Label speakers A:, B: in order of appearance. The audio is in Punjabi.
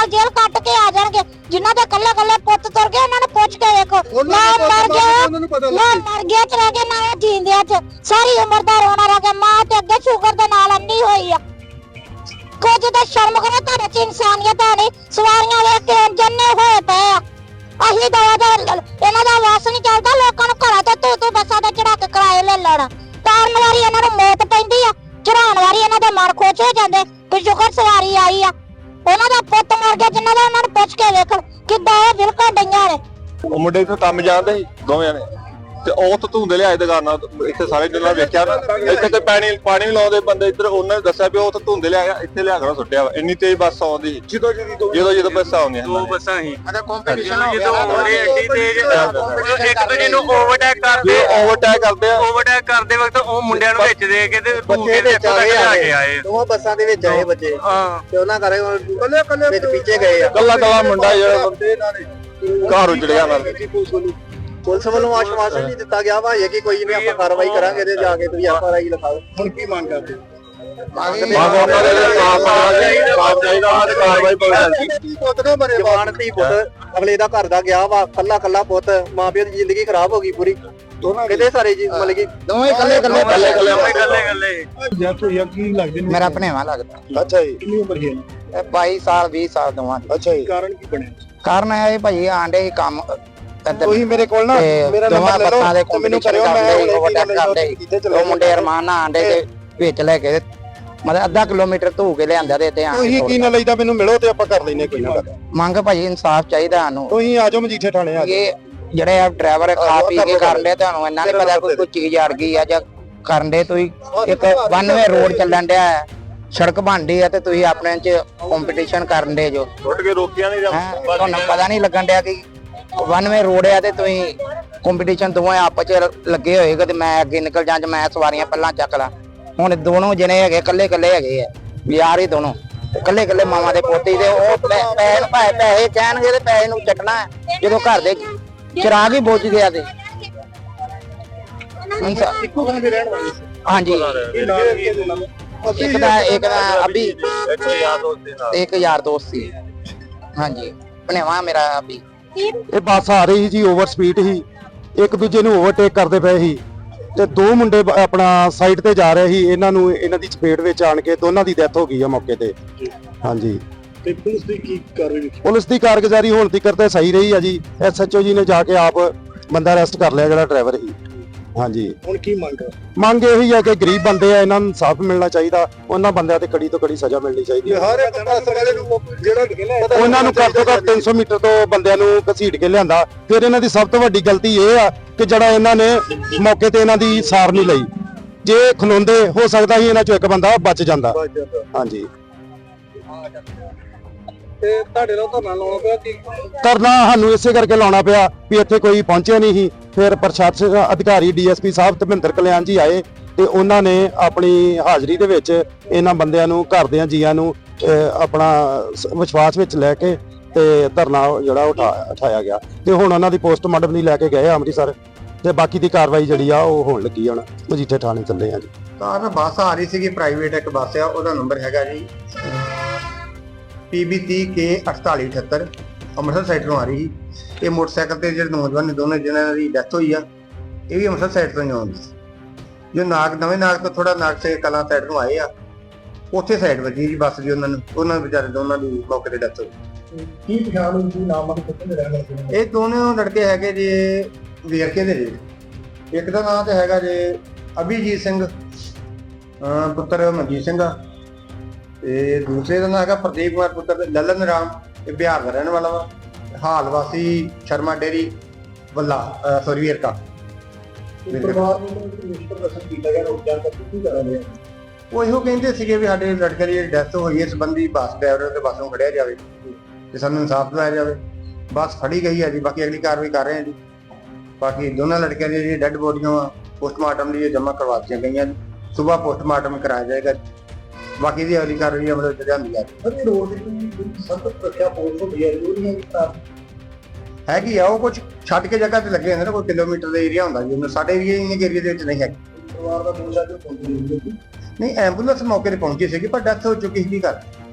A: ਜੇਲ੍ਹ ਕੱਟ ਕੇ ਆ ਜਾਣਗੇ। ਜਿਨ੍ਹਾਂ ਦੇ ਕੱਲੇ ਕੱਲੇ ਪੁੱਤ ਤੁਰ ਗਏ ਉਹਨਾਂ ਨੂੰ ਪੁੱਛ ਕੇ ਵੇਖੋ। ਨਾ ਮਰ ਗਿਆ ਚ ਰਹਿ ਗਏ, ਨਾ ਜੀਂਦਿਆਂ ਚ ਸਾਰੀ ਉਮਰ ਦਾ ਰੋਣਾ ਰਹਿ ਗਿਆ। ਮਾਂ ਤੇ ਅੱਗੇ ਸ਼ੂਗਰ ਦੇ ਨਾਲ ਅੰਨੀ ਹੋਈ ਆ। ਕੁਝ ਤਾਂ ਸ਼ਰਮ ਕਰੋ, ਤੁਹਾਡੇ ਚ ਇਨਸਾਨੀਅਤ ਹੈ ਨਹੀਂ। ਸਵਾਰੀਆਂ ਵੇਖ ਕੇ ਜੰਨੇ ਹੋਏ ਪਏ ਆ। ਅਸੀਂ ਇਹਨਾਂ ਦਾ ਵਾਸ ਨਹੀਂ ਚੱਲਦਾ। ਲੋਕਾਂ ਨੂੰ ਘਰਾਂ ਤੋਂ ਤੂੰ ਬੱਸਾਂ ਤੇ ਚੜਾ ਕੇ ਕਿਰਾਏ ਲੈ ਲੈਣਾ। ਤਾਰਨ ਵਾਰੀ ਇਹਨਾਂ ਨੂੰ ਮੌਤ ਪੈਂਦੀ ਆ, ਚੜਾਉਣ ਵਾਰੀ ਇਹਨਾਂ ਦੇ ਮਨ ਖੁਸ਼ ਹੋ ਜਾਂਦੇ ਕਿ ਸ਼ੁਕਰ ਸਵਾਰੀ ਆਈ ਆ। ਉਹਨਾਂ ਦਾ ਪੁੱਤ ਮਰ ਗਿਆ ਜਿਨ੍ਹਾਂ ਦਾ, ਉਹਨਾਂ ਨੂੰ ਪੁੱਛ ਕੇ ਵੇਖ ਕਿੱਦਾਂ ਇਹ ਬਿਲਕੁਲ ਡਈਆਂ ਨੇ।
B: ਉਹ ਮੁੰਡੇ ਤੋਂ ਕੰਮ ਜਾਣਦੇ ਸੀ ਦੋਵੇਂ ਨੇ, ਤੇ ਉਹ ਤੋਂ ਧੁੰਦੇ ਲਿਆਏ ਦੁਕਾਨਾਂ ਇੱਥੇ ਸਾਰੇ ਜਿੰਨਾ ਵੇਖਿਆ ਨਾ, ਇੱਥੇ ਤੇ ਪਾਣੀ ਲਾਉਂਦੇ ਬੰਦੇ ਇੱਧਰ, ਉਹਨਾਂ ਨੇ ਦੱਸਿਆ ਵੀ ਉਹ ਤੋਂ ਧੁੰਦੇ ਲਿਆਇਆ, ਇੱਥੇ ਲਿਆ ਕੇ ਸੁੱਟਿਆ ਵਾ। ਇੰਨੀ ਤੇਜ਼ ਬੱਸ ਆਉਂਦੀ ਜਦੋਂ ਬੱਸਾਂ ਆਉਂਦੀਆਂ,
C: ਦੋ ਬੱਸਾਂ ਹੀ ਜਦੋਂ ਆਉਂਦੇ ਐਡੀ ਤੇਜ਼ ਇੱਕ ਦੂਜੇ ਨੂੰ ਓਵਰਟੇਕ ਕਰਦੇ ਕਰਦੇ ਵਕਤ ਉਹ ਮੁੰਡਿਆਂ ਨੂੰ ਵਿੱਚ ਦੇ ਕੇ ਤੇ
D: ਬੱਚੇ ਵਿੱਚ ਆਏ, ਦੋਵਾਂ ਬੱਸਾਂ ਦੇ ਵਿੱਚ ਆਏ ਬੱਚੇ ਤੇ ਉਹਨਾਂ ਕਰੇ ਵਿੱਚ ਪਿੱਛੇ ਗਏ ਆ।
B: ਕੱਲਾ ਮੁੰਡਾ ਜਿਹੜਾ ਘਰ ਉਜੜਿਆ ਨਾਲ।
D: ਪੁਲਿਸ ਵੱਲੋਂ ਆਸ਼ਵਾਸਨ ਨਹੀਂ ਦਿੱਤਾ ਗਿਆ ਵਾ ਕਿ ਕੋਈ ਨਹੀਂ ਆਪਾਂ ਕਾਰਵਾਈ ਕਰਾਂਗੇ ਤੇ ਜਾ ਕੇ ਤੁਸੀਂ FRI ਲਿਖਾਓ। ਹੁਣ ਕੀ ਮੰਗ ਕਰਦੇ? ਜਵਾਨ ਧੀ ਪੁੱਤ ਅਗਲੇ ਦਾ ਘਰ ਦਾ ਗਿਆ ਵਾ, ਕੱਲਾ ਪੁੱਤ, ਮਾਂ ਪਿਓ ਦੀ ਜ਼ਿੰਦਗੀ ਖਰਾਬ ਹੋ ਗਈ ਪੂਰੀ। ਕਿਤੇ ਸਾਰੇ ਜੀ ਮਤਲਬ ਕਿ ਦੋਵੇਂ ਕੱਲੇ
E: ਮੇਰਾ ਭਣੇਵਾ ਲੱਗਦਾ।
D: ਅੱਛਾ ਜੀ,
E: ਕਿੰਨੀ ਉਮਰ ਹੈ? 22 ਸਾਲ 20 ਸਾਲ ਦੋਵਾਂ ਦੀ।
D: ਅੱਛਾ ਜੀ,
E: ਕਾਰਨ ਕੀ ਬਣਿਆ? ਕਾਰਨ ਇਹ ਭਾਜੀ ਆਂਡੇ ਕੰਮ
D: ਤੁਸੀਂ ਮੇਰੇ ਕੋਲ ਨਾ ਮੇਰਾ ਨੰਬਰ ਲੈ ਲਓ, ਮੈਨੂੰ ਕਰਿਓ,
E: ਉਹ ਮੁੰਡੇ ਅਰਮਾਨ ਨਾਲ ਆਂਡੇ ਦੇ ਵਿੱਚ ਲੈ ਕੇ ਮਤਲਬ ਅੱਧਾ ਕਿਲੋਮੀਟਰ ਧੂ ਕੇ ਲਿਆਂਦਾ ਤੇ
D: ਤੁਸੀਂ ਕੀ ਨਾ ਲਈਦਾ ਮੈਨੂੰ ਮਿਲੋ ਤੇ ਆਪਾਂ ਕਰ ਲੈਨੇ ਕੋਈ ਨਾ।
E: ਮੰਗ ਭਾਜੀ ਇਨਸਾਫ ਚਾਹੀਦਾ ਸਾਨੂੰ।
D: ਤੁਸੀਂ ਆ ਜਾਓ ਮਜੀਠੇ ਥਾਣੇ ਆ।
E: ਇਹ ਜਿਹੜੇ ਆ ਡਰਾਈਵਰ ਖਾ ਪੀ ਕੇ ਕਰਨ ਦੇ, ਤੁਹਾਨੂੰ ਇੰਨਾ ਨਹੀਂ ਪਤਾ ਕੋਈ ਚੀਜ਼ ਅੜ ਗਈ ਆ ਜਾਂ ਕਰਨ ਦੇ। ਤੁਸੀਂ ਇੱਕ 1 ਵੇ ਰੋਡ ਚੱਲਣ ਡਿਆ, ਸੜਕ ਬਣਦੀ ਆ ਤੇ ਤੁਸੀਂ ਆਪਣੇ ਚ ਕੰਪੀਟੀਸ਼ਨ ਕਰਨ ਦੇ ਜੋ
B: ਟੁੱਟ ਕੇ ਰੋਕੀਆਂ ਨਹੀਂ
E: ਤੁਹਾਨੂੰ ਪਤਾ ਨਹੀਂ ਲੱਗਣ ਡਿਆ ਕਿ 1 ਵੇ ਰੋਡ ਆ ਤੇ ਤੁਸੀਂ ਕੰਪੀਟੀਸ਼ਨ ਦੋਵੇਂ ਆਪਸ ਚ ਲੱਗੇ ਹੋਏ ਤੇ ਮੈਂ ਅੱਗੇ ਨਿਕਲ ਜਾਂ ਮੈਂ ਸਵਾਰੀਆਂ ਪਹਿਲਾਂ ਚੱਕ ਲਾਂ। ਹੁਣ ਦੋਨੋਂ ਜਣੇ ਹੈਗੇ ਕੱਲੇ ਹੈਗੇ ਆ ਯਾਰ ਹੀ ਦੋਨੋਂ ਕੱਲੇ ਮਾਵਾਂ ਦੇ ਪੋਤੇ ਤੇ ਉਹ ਪੈਸੇ ਕਹਿਣਗੇ ਤੇ ਪੈਸੇ ਨੂੰ ਚੱਟਣਾ ਜਦੋਂ ਘਰ ਦੇ ਚਿਰਾਗ ਹੀ ਬੁੱਝ ਗਿਆ ਤੇ ਹਾਂਜੀ ਇੱਕ ਦਾ ਅਭੀ ਇੱਕ ਯਾਰ ਦੋਸਤ ਸੀ। ਹਾਂਜੀ ਭਣੇਵਾ ਮੇਰਾ ਅਭੀ।
D: ਇਹ ਬੱਸ ਆ ਰਹੀ ਸੀ ਜੀ, ਓਵਰ ਸਪੀਡ ਸੀ, ਇੱਕ ਦੂਜੇ ਨੂੰ ਓਵਰਟੇਕ ਕਰਦੇ ਪਏ ਸੀ ਤੇ ਦੋ ਮੁੰਡੇ ਆਪਣਾ ਸਾਈਡ ਤੇ ਜਾ ਰਹੇ ਸੀ। ਇਹਨਾਂ ਦੀ ਚਪੇਟ ਵਿੱਚ ਆਣ ਕੇ ਦੋਨਾਂ ਦੀ ਡੈਥ ਹੋ ਗਈ ਆ ਮੌਕੇ ਤੇ। ਹਾਂਜੀ,
E: ਤੇ ਪੁਲਿਸ ਦੀ ਕੀ ਕਾਰਵਾਈ?
D: ਪੁਲਿਸ ਦੀ ਕਾਰਗੁਜ਼ਾਰੀ ਹੁਣ ਤੱਕ ਤੇ ਸਹੀ ਰਹੀ ਆ ਜੀ। SHO ਜੀ ਨੇ ਜਾ ਕੇ ਆਪ ਬੰਦਾ ਅਰੈਸਟ ਕਰ ਲਿਆ ਜਿਹੜਾ ਡਰਾਈਵਰ ਸੀ। ਹਾਂਜੀ,
E: ਹੁਣ ਕੀ
D: ਮੰਗ ਇਹੀ ਆ ਕਿ ਗਰੀਬ ਬੰਦੇ ਆ, ਇਹਨਾਂ ਨੂੰ ਇਨਸਾਫ ਮਿਲਣਾ ਚਾਹੀਦਾ। ਉਹਨਾਂ ਬੰਦਿਆਂ ਤੇ ਕੜੀ ਤੋਂ ਕੜੀ ਸਜ਼ਾ ਮਿਲਣੀ ਚਾਹੀਦੀ ਹੈ।
E: ਹਰ ਇੱਕ ਬੱਸ ਵਾਲੇ ਨੂੰ ਜਿਹੜਾ
D: ਉਹਨਾਂ ਨੂੰ ਘੱਟ ਤੋਂ ਘੱਟ 300 ਮੀਟਰ ਤੋਂ ਬੰਦਿਆਂ ਨੂੰ ਘਸੀਟ ਕੇ ਲਿਆਂਦਾ। ਫਿਰ ਇਹਨਾਂ ਦੀ ਸਭ ਤੋਂ ਵੱਡੀ ਗਲਤੀ ਇਹ ਆ ਕਿ ਜਿਹੜਾ ਇਹਨਾਂ ਨੇ ਮੌਕੇ ਤੇ ਇਹਨਾਂ ਦੀ ਸਾਰ ਨਹੀਂ ਲਈ। ਜੇ ਖਲੋਂਦੇ ਹੋ ਸਕਦਾ ਸੀ ਇਹਨਾਂ ਚੋਂ ਇੱਕ ਬੰਦਾ ਬਚ ਜਾਂਦਾ। ਹਾਂਜੀ,
E: ਤੇ ਤੁਹਾਡੇ ਨਾਲ ਧਰਨਾ ਲਾਉਣਾ ਪਿਆ ਕਿ
D: ਧਰਨਾ ਸਾਨੂੰ ਇਸੇ ਕਰਕੇ ਲਾਉਣਾ ਪਿਆ ਵੀ ਇੱਥੇ ਕੋਈ ਪਹੁੰਚਿਆ ਨਹੀਂ ਸੀ। ਫਿਰ ਪ੍ਰਸ਼ਾਸਨ ਅਧਿਕਾਰੀ DSP ਸਾਹਿਬ ਧਰਮਿੰਦਰ ਕਲਿਆਣ ਜੀ ਆਏ ਤੇ ਉਹਨਾਂ ਨੇ ਆਪਣੀ ਹਾਜ਼ਰੀ ਦੇ ਵਿੱਚ ਇਹਨਾਂ ਬੰਦਿਆਂ ਨੂੰ, ਘਰ ਦਿਆਂ ਜੀਆਂ ਨੂੰ ਆਪਣਾ ਵਿਸ਼ਵਾਸ ਵਿੱਚ ਲੈ ਕੇ ਤੇ ਧਰਨਾ ਜਿਹੜਾ ਉਠਾਇਆ ਗਿਆ ਤੇ ਹੁਣ ਉਹਨਾਂ ਦੀ ਪੋਸਟਮਾਰਟਮ ਲਈ ਲੈ ਕੇ ਗਏ ਅੰਮ੍ਰਿਤਸਰ ਤੇ ਬਾਕੀ ਦੀ ਕਾਰਵਾਈ ਜਿਹੜੀ ਆ ਉਹ ਹੋਣ ਲੱਗੀ। ਹੁਣ ਮਜੀਠੇ ਥਾਣੇ ਚੱਲੇ ਆ ਜੀ।
F: ਤਾਂ ਬੱਸ ਆ ਰਹੀ ਸੀਗੀ, ਪ੍ਰਾਈਵੇਟ ਇੱਕ ਬੱਸ ਆ, ਉਹਦਾ ਨੰਬਰ ਹੈਗਾ ਜੀ PB30K 4878 ਅੰਮ੍ਰਿਤਸਰ ਸਾਈਡ ਤੋਂ ਆ ਰਹੀ ਸੀ। ਇਹ ਮੋਟਰਸਾਈਕਲ ਤੇ ਜਿਹੜੇ ਨੌਜਵਾਨ ਨੇ ਦੋਨੇ ਜਿਹਨਾਂ ਦੀ ਡੈਥ ਹੋਈ ਆ, ਇਹ ਵੀ ਅੰਮ੍ਰਿਤਸਰ ਸਾਈਡ ਤੋਂ ਹੀ ਆਉਂਦੇ ਸੀ। ਜੋ ਨਵੇਂ ਨਾਗ ਤੋਂ ਥੋੜਾ ਨਾਗ ਸੇ ਕਲਾਂ ਸਾਈਡ ਤੋਂ ਆਏ ਆ, ਉੱਥੇ ਸਾਈਡ ਵੱਜੀ ਜੀ ਬੱਸ ਦੀ। ਉਹਨਾਂ ਵਿਚਾਰੇ ਦੋਨਾਂ ਦੀ ਮੌਕੇ ਤੇ ਡੈਥ ਹੋਈ।
E: ਕੀ ਪਛਾਣ ਹੋਈ ਸੀ? ਨਾਮ ਕਿੱਥੇ ਦੇ ਰਹਿਣ ਵਾਲੇ?
F: ਇਹ ਦੋਨੋਂ ਲੜਕੇ ਹੈਗੇ ਜੀ ਵੇਰਕੇ ਦੇ ਜੀ। ਇੱਕ ਦਾ ਨਾਮ ਤੇ ਹੈਗਾ ਜੀ ਅਭਿਜੀਤ ਸਿੰਘ ਪੁੱਤਰ ਮਨਜੀਤ ਸਿੰਘ ਆ, ਤੇ ਦੂਸਰੇ ਦਾ ਨਾਮ ਹੈਗਾ ਪ੍ਰਦੀਪ ਕੁਮਾਰ ਪੁੱਤਰ ਲਲਨ ਰਾਮ। ਇਹ ਬਿਹਾਰ ਦਾ ਰਹਿਣ ਵਾਲਾ ਵਾ, ਹਾਲ ਵਾਸੀ ਸ਼ਰਮਾ ਡੇਰੀ ਵੱਲਾ ਵੇਰਕਾ।
E: ਪਰਿਵਾਰ ਨੂੰ ਨਿਸ਼ਚਿਤ ਰਸਮ ਕੀਤਾ ਗਿਆ ਰੋਜ਼ਾਨਾ ਤੱਕ ਕੀ ਕਰ ਰਹੇ ਆ?
F: ਉਹ ਇਹੋ ਕਹਿੰਦੇ ਸੀਗੇ ਵੀ ਸਾਡੇ ਲੜਕੇ ਦੀ ਡੈਥ ਹੋਈ ਇਸ ਸੰਬੰਧੀ ਬੱਸ ਡਰਾਈਵਰ ਤੇ ਬੱਸ ਨੂੰ ਖੜਿਆ ਜਾਵੇ ਤੇ ਸਾਨੂੰ ਇਨਸਾਫ ਦਿਵਾਇਆ ਜਾਵੇ। ਬੱਸ ਫੜੀ ਗਈ ਹੈ ਜੀ, ਬਾਕੀ ਅਗਲੀ ਕਾਰਵਾਈ ਕਰ ਰਹੇ ਹਾਂ ਜੀ। ਬਾਕੀ ਦੋਨਾਂ ਲੜਕਿਆਂ ਦੀ ਜਿਹੜੀ ਡੈੱਡ ਬੋਡੀਆਂ ਪੋਸਟਮਾਰਟਮ ਲਈ ਜਮ੍ਹਾਂ ਕਰਵਾ ਦਿੱਤੀਆਂ ਗਈਆਂ। ਸੁਬਾਹ ਪੋਸਟਮਾਰਟਮ ਕਰਾਇਆ ਜਾਏਗਾ। ਬਾਕੀ ਦੀ ਅਗਲੀ ਕਾਰਵਾਈ ਅਮਲ ਵਿੱਚ ਲਿਆਂਦੀ ਜਾਵੇ।
E: ਰੋਡ ਦੀ ਸਖਤ ਸੁਰੱਖਿਆ ਪੁਲਿਸ ਹੁੰਦੀ ਹੈ, ਜ਼ਰੂਰੀ ਹੈ
F: ਹੈਗੀ ਆ। ਉਹ ਕੁਝ ਛੱਡ ਕੇ ਜਗ੍ਹਾ ਤੇ ਲੱਗੇ ਹੁੰਦੇ ਨੇ, ਕੋਈ ਕਿਲੋਮੀਟਰ ਦਾ ਏਰੀਆ ਹੁੰਦਾ ਜੀ। ਸਾਡੇ ਵੀ ਇੰਨੇ ਏਰੀਆ ਦੇ ਵਿੱਚ ਨਹੀਂ ਹੈ।
E: ਪਰਿਵਾਰ ਦਾ ਦੋਸ਼ਾ ਜੋ ਪਹੁੰਚੀ
F: ਨਹੀਂ, ਐਂਬੂਲੈਂਸ ਮੌਕੇ ਤੇ ਪਹੁੰਚੀ ਸੀਗੀ ਪਰ ਡੈਥ ਹੋ ਚੁੱਕੀ ਸੀ। ਕੀ ਕਰ